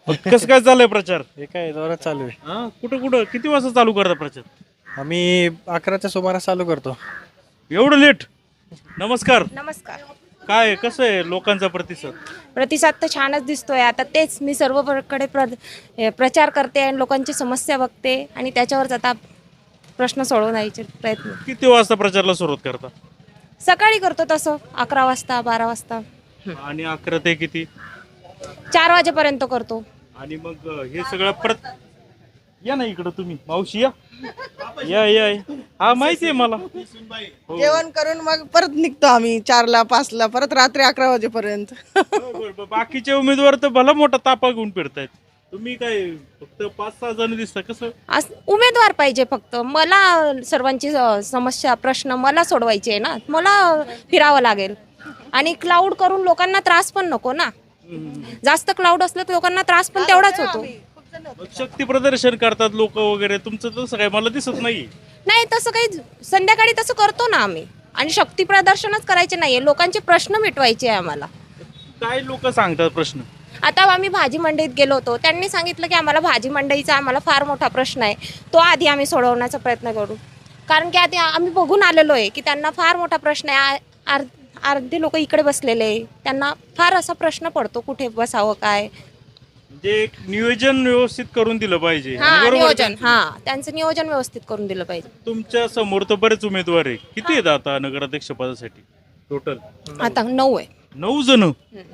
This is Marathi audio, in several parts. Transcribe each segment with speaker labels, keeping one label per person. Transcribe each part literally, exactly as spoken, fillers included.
Speaker 1: कसं काय चाललंय प्रचार?
Speaker 2: हे काय जोरात चालू आहे.
Speaker 1: हा कुठं कुठं किती वाजता चालू करता प्रचार?
Speaker 2: आम्ही अकराच्या सुमारास चालू करतो.
Speaker 1: एवढं लेट? नमस्कार.
Speaker 3: नमस्कार.
Speaker 1: काय कसं आहे लोकांचा प्रतिसाद?
Speaker 3: प्रतिसाद तर छानच दिसतोय. आता तेच मी सर्वकडे प्र हे प्रचार करते आणि लोकांची समस्या बघते आणि त्याच्यावरच आता प्रश्न सोडवण्याचे प्रयत्न
Speaker 1: किती वाजता प्रचाराला सुरुवात करता?
Speaker 3: सकाळी करतो तसं अकरा वाजता बारा वाजता
Speaker 1: आणि अकरा ते किती?
Speaker 3: चार वाजेपर्यंत करतो.
Speaker 1: आणि मग हे सगळं परत या ना इकडं तुम्ही मावशी या या या या. हा माहिती आहे मला. हो.
Speaker 4: जेवण करून मग परत निघतो आम्ही चारला पाचला परत रात्री अकरा वाजेपर्यंत.
Speaker 1: बरं, बरं. बाकीचे उमेदवार तर भला मोठा तापा घेऊन फिरतायत. तुम्ही काय फक्त पाच सहा जण दिसता कसं?
Speaker 3: आज उमेदवार पाहिजे फक्त. मला सर्वांची अ, समस्या प्रश्न मला सोडवायचे आहे ना. मला फिरावं लागेल आणि क्लाउड करून लोकांना त्रास पण नको ना. जास्त क्लाउड असलं तर लोकांना त्रास पण तेवढाच होतो.
Speaker 1: मग शक्ती प्रदर्शन करतात लोक वगैरे, तुमचं तसं काय मला दिसत नाही.
Speaker 3: नाही तसं काही संध्याकाळी तसं करतो ना आम्ही. आणि शक्ती प्रदर्शनच करायचे नाहीये, लोकांचे प्रश्न मिटवायचे आहे आम्हाला.
Speaker 1: काय लोक सांगतात प्रश्न?
Speaker 3: आता आम्ही भाजी मंडईत गेलो होतो, त्यांनी सांगितलं की आम्हाला भाजी मंडईचा आम्हाला फार मोठा प्रश्न आहे, तो आधी आम्ही सोडवण्याचा प्रयत्न करू. कारण की आधी आम्ही बघून आलेलो आहे की त्यांना फार मोठा प्रश्न आहे. आर अर्धे लोक इकडे बसलेले आहे, त्यांना फार असा प्रश्न पडतो कुठे बसावं काय.
Speaker 1: म्हणजे एक नियोजन व्यवस्थित करून दिलं पाहिजे.
Speaker 3: हा
Speaker 1: आणि बरोबर
Speaker 3: नियोजन,
Speaker 1: त्यांचं-
Speaker 3: हा त्यांचं नियोजन व्यवस्थित करून दिलं पाहिजे.
Speaker 1: तुमच्या समोर तर बरेच उमेदवार आहे. किती आहेत आता नगराध्यक्ष पदासाठी टोटल?
Speaker 3: आता नऊ आहे.
Speaker 1: नऊ जण.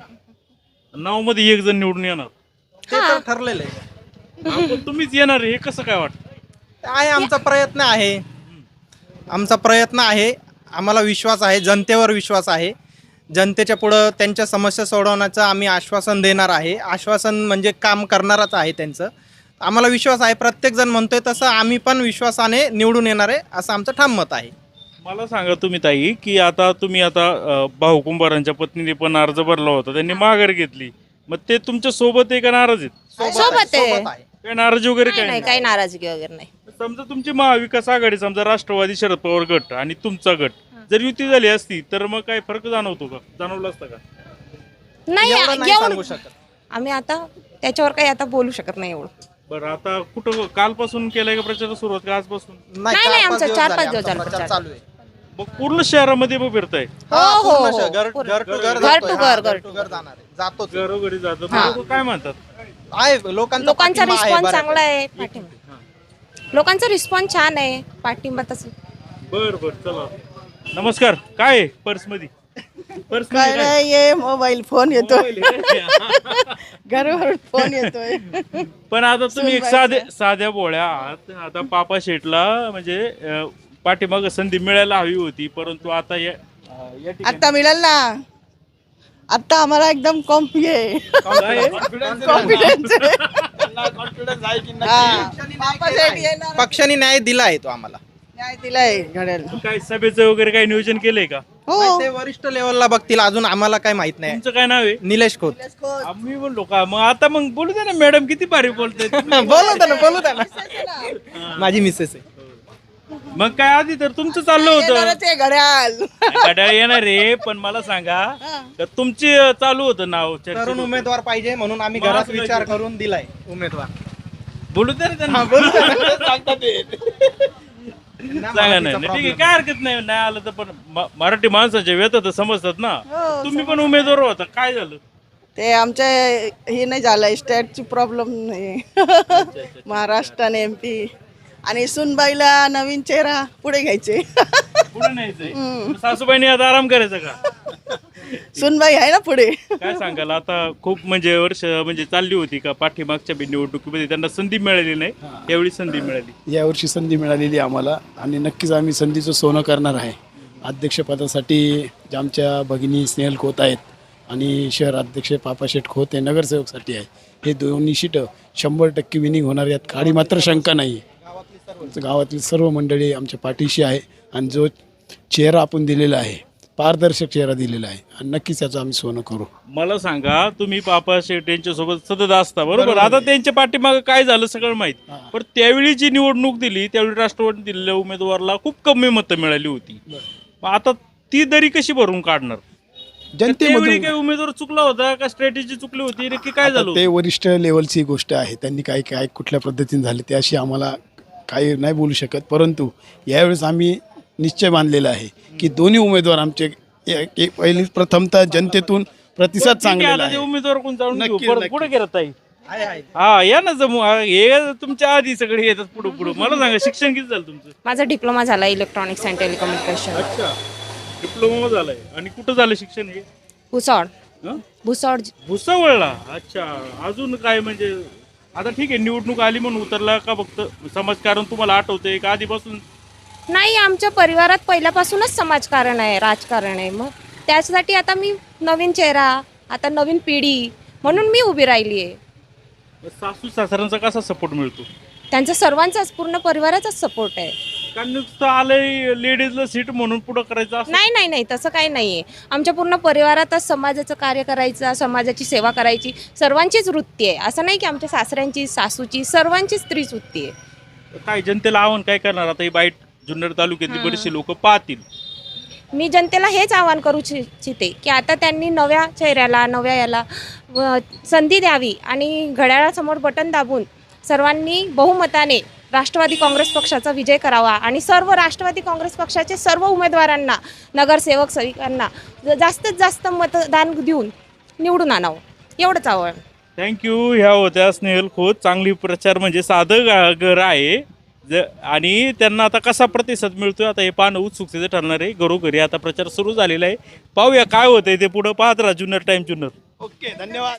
Speaker 1: नऊ मध्ये एक जण निवडून येणार.
Speaker 5: ते तर ठरलेलं आहे.
Speaker 1: हा, पण तुम्हीच येणार आहे, हे कसं काय वाटतं?
Speaker 5: आहे आमचा प्रयत्न आहे. आमचा प्रयत्न आहे. आम्हाला विश्वास आहे, जनतेवर विश्वास आहे. जनतेच्या पुढं त्यांच्या समस्या सोडवण्याचं आम्ही आश्वासन देणार आहे. आश्वासन म्हणजे काम करणारच आहे त्यांचं. आम्हाला विश्वास आहे. प्रत्येकजण म्हणतोय तसं आम्ही पण विश्वासाने निवडून येणार आहे असं आमचं ठाम मत आहे.
Speaker 1: मला सांगा तुम्ही ताई, की आता तुम्ही आता अ, भाऊ कुंभारांच्या पत्नीने पण अर्ज भरला होता, त्यांनी माघार घेतली. मग ते तुमच्या सोबत आहे का नाराज आहेत?
Speaker 3: सोबत आहे.
Speaker 5: सोबत आहे.
Speaker 1: काय नाराजी वगैरे
Speaker 3: नाही
Speaker 1: काय
Speaker 3: नाही,
Speaker 1: नाही?
Speaker 3: काही नाराजगी वगैरे नाही.
Speaker 1: समजा तुमची महाविकास आघाडी, समजा राष्ट्रवादी शरद पवार गट आणि तुमचा गट जर युती झाली असती तर मग काय फरक जाणवतो का? जाणवला असता का?
Speaker 3: नाही
Speaker 5: एवढं नाही
Speaker 3: एवढं-
Speaker 5: सांगू शकत.
Speaker 3: आम्ही आता त्याच्यावर काही आता बोलू शकत नाही एवढं.
Speaker 1: बरं, आता कुठं कालपासून केलाय का प्रचार सुरुवात का आजपासून?
Speaker 3: नाही,
Speaker 5: चार
Speaker 3: नाही,
Speaker 5: पाच
Speaker 3: आमचा
Speaker 5: दिवस
Speaker 3: चार
Speaker 5: झाले
Speaker 3: पाच दिवस
Speaker 5: आमचा
Speaker 3: झाला
Speaker 5: प्रचार
Speaker 3: प्रचार.
Speaker 5: चालू आहे.
Speaker 1: मग पूर्ण शहरामध्ये मग फिरताय?
Speaker 3: हो
Speaker 5: हा,
Speaker 3: हो
Speaker 5: पूर्ण
Speaker 3: हो
Speaker 5: शहर, घर
Speaker 3: पूर्ण.
Speaker 5: घर टू घर
Speaker 3: घर
Speaker 5: जातोय.
Speaker 3: टू
Speaker 5: हा,
Speaker 3: घर,
Speaker 5: घर टू घर जाणार आहे. जातो ते.
Speaker 1: घरोघरी जातात.
Speaker 3: हा.
Speaker 1: लोकं काय म्हणतात?
Speaker 5: आहे लोकांचा
Speaker 3: लोकांचा
Speaker 5: पाठिंबा आहे
Speaker 3: रिस्पॉन्स
Speaker 5: बऱ्यापैकी.
Speaker 3: चांगला आहे. पाठिंबा लोकांचा रिस्पॉन्स छान आहे. पाठिंबा तसं
Speaker 1: बर बर, चला. नमस्कार. काय आहे पर्स मध्ये? पर्स
Speaker 4: काय नाही ये मोबाईल फोन येतोय घरावर फोन येतोय.
Speaker 1: पण आता तुम्ही एक साधे साध्या बोळ्या आहात. आता पापा शेटला म्हणजे अं, पाठीमागं संधी मिळायला हवी होती, परंतु आता या अं, या ठिकाणी
Speaker 4: आता मिळेल ना. आता आम्हाला एकदम कॉम्पी आहे.
Speaker 1: काय आहे?
Speaker 4: कॉन्फिडन्स
Speaker 5: पक्षाने न्याय दिला आहे तो आम्हाला.
Speaker 4: न्याय दिलाय घड्याला.
Speaker 1: काय सभेचं वगैरे काही नियोजन केलंय का?
Speaker 4: हो
Speaker 5: ते वरिष्ठ लेवलला बघतील, अजून आम्हाला काय माहित नाही.
Speaker 1: तुमचं काय नाव आहे?
Speaker 5: निलेश खोत.
Speaker 1: आम्ही बोललो का? मग आता मग बोलू द्या ना, मॅडम किती भारी बोलताय.
Speaker 5: बोलू द्या ना बोलू द्या ना. माझी मिसेस आहे.
Speaker 1: मग काय आधी तर तुमचं चाललं होतं
Speaker 4: येणारच आहे घड्याल.
Speaker 1: घड्याळ येणार रे, पण मला सांगा तर तुमची चालू होतं नाव चर्चेत
Speaker 5: तरुण
Speaker 1: होतं.
Speaker 5: उमेदवार पाहिजे म्हणून आम्ही
Speaker 1: मग
Speaker 5: घरात
Speaker 1: असं
Speaker 5: विचार
Speaker 1: काय?
Speaker 5: करून दिलाय उमेदवार.
Speaker 1: बोलू द्या रे त्यांना.
Speaker 5: बोलू द्या ना. सांगतात ते.
Speaker 1: सांगा नाही नाही, ठीक आहे, काय हरकत नाही. नाही आलं तर पण म- मराठी माणसाच्या व्यथा तर समजतात ना. तुम्ही पण उमेदवार होता, काय झालं?
Speaker 4: ते आमच्या हे नाही झालंय, स्टेटची प्रॉब्लेम नाही. महाराष्ट्र आणि एमपी आणि सुनबाईला नवीन चेहरा पुढे घ्यायचे.
Speaker 1: पुढे न्यायचंय. सासूबाईने आता आराम करायचा का?
Speaker 4: सुनबाई आहे ना पुढे.
Speaker 1: काय सांगाल आता? खूप म्हणजे वर्ष म्हणजे चालली होती का पाठीमागच्या बी निवडणुकीमध्ये त्यांना संधी मिळाली नाही, यावेळी संधी मिळाली.
Speaker 6: यावर्षी संधी मिळालेली आहे आम्हाला आणि नक्कीच आम्ही संधीचं सोनं करणार आहे. अध्यक्षपदासाठी जे आमच्या भगिनी स्नेहल खोत आहेत आणि शहर अध्यक्ष पापाशेठ खोत हे नगरसेवकसाठी आहे. हे दोन्ही सीटं शंभर टक्के विनिंग होणार, यात काळी मात्र शंका नाही. गावातील सर्व मंडळी आमच्या पाठीशी आहे आणि जो चेहरा आपण दिलेला आहे, पारदर्शक चेहरा दिलेला आहे आणि नक्कीच याचं आम्ही सोनं करू.
Speaker 1: मला सांगा, तुम्ही पापा शेठ यांच्यासोबत सतत असता बरोबर. आता त्यांच्या पाठीमागं काय झालं सगळं माहित. पण त्यावेळी जी निवडणूक दिली त्यावेळी राष्ट्रवादी दिलेल्या उमेदवाराला खूप कमी मतं मिळाली होती. मग आता ती दरी कशी भरून काढणार? त्यावेळी
Speaker 6: जनतेमधून
Speaker 1: काही उमेदवार चुकला होता का स्ट्रॅटेजी चुकली होती नक्की काय
Speaker 6: आता
Speaker 1: झालं
Speaker 6: ते वरिष्ठ लेवलची गोष्ट आहे, त्यांनी काय काय कुठल्या पद्धतीने झाले ते अशी आम्हाला काही नाही बोलू शकत. परंतु यावेळेस आम्ही निश्चय बांधलेला आहे की दोन्ही उमेदवार आमचे ए- ए- पहिली प्रथमतः जनतेतून प्रतिसाद
Speaker 1: ठीक आहे,
Speaker 6: चांगलेला
Speaker 1: आता ते
Speaker 6: आहे.
Speaker 1: उमेदवार कोण जाणून घेऊ.
Speaker 6: नक्की,
Speaker 1: परत
Speaker 6: नक्की.
Speaker 1: पुढे गेला ताई हा या ना जमू हा, हे तुमच्या आधी सगळे येतात पुढे पुढे. मला सांगा शिक्षण किती झालं तुमचं?
Speaker 3: माझा डिप्लोमा झाला इलेक्ट्रॉनिक्स अँड टेलिकम्युनिकेशन
Speaker 1: अच्छा, डिप्लोमा झालाय. आणि कुठं झालं शिक्षण हे?
Speaker 3: भुसावळ
Speaker 1: हं?
Speaker 3: भुसावळ
Speaker 1: भुसावळला. अच्छा, अजून काय म्हणजे आता ठीक आहे निवडणूक आली म्हणून उतरला का फक्त समाजकारण तुम्हाला आठवतंय का आधीपासून?
Speaker 3: नाही, आमच्या परिवारात पहिल्यापासूनच समाजकारण आहे, राजकारण आहे. मग त्यासाठी आता मी नवीन चेहरा, आता नवीन पिढी म्हणून मी उभी राहिली आहे.
Speaker 1: सासू सासऱ्यांचा कसा सपोर्ट मिळतो?
Speaker 3: त्यांचा सर्वांचाच, पूर्ण परिवाराचाच सपोर्ट आहे.
Speaker 1: का नुसतं आलंय लेडीजला सीट म्हणून पुढं करायचं असं?
Speaker 3: नाही नाही नाही तसं काही नाही आहे. आमच्या पूर्ण परिवारातच समाजाचं कार्य करायचं, समाजाची सेवा करायची सर्वांचीच वृत्ती आहे. असं नाही की आमच्या सासऱ्यांची, सासूची, सर्वांचीच स्त्रीच वृत्ती आहे.
Speaker 1: काय जनतेला आव्हान काय करणार आता? ही बाईट जुन्नर तालुक्यातली बरेचसे लोक पाहतील.
Speaker 3: मी जनतेला हेच आवाहन करू इच्छिते की आता त्यांनी नव्या चेहऱ्याला, नव्या याला व संधी द्यावी आणि घड्याळासमोर बटन दाबून सर्वांनी बहुमताने राष्ट्रवादी काँग्रेस पक्षाचा विजय करावा आणि सर्व राष्ट्रवादी काँग्रेस पक्षाचे सर्व उमेदवारांना, नगरसेवक सेविकांना जास्तीत जास्त मतदान देऊन निवडून आणावं, एवढंच आवाहन.
Speaker 1: थँक्यू. ह्या होत्या स्नेहल खोत. चांगली प्रचार म्हणजे साधं गा- घर आहे ज आणि त्यांना आता कसा प्रतिसाद मिळतोय आता हे पाहणं उत्सुकतेचं ठरणार आहे. घरोघरी आता प्रचार सुरू झालेला आहे. पाहूया काय होतंय ते पुढं. पाहत राहा जुन्नर टाइम जुन्नर.
Speaker 5: ओके, धन्यवाद.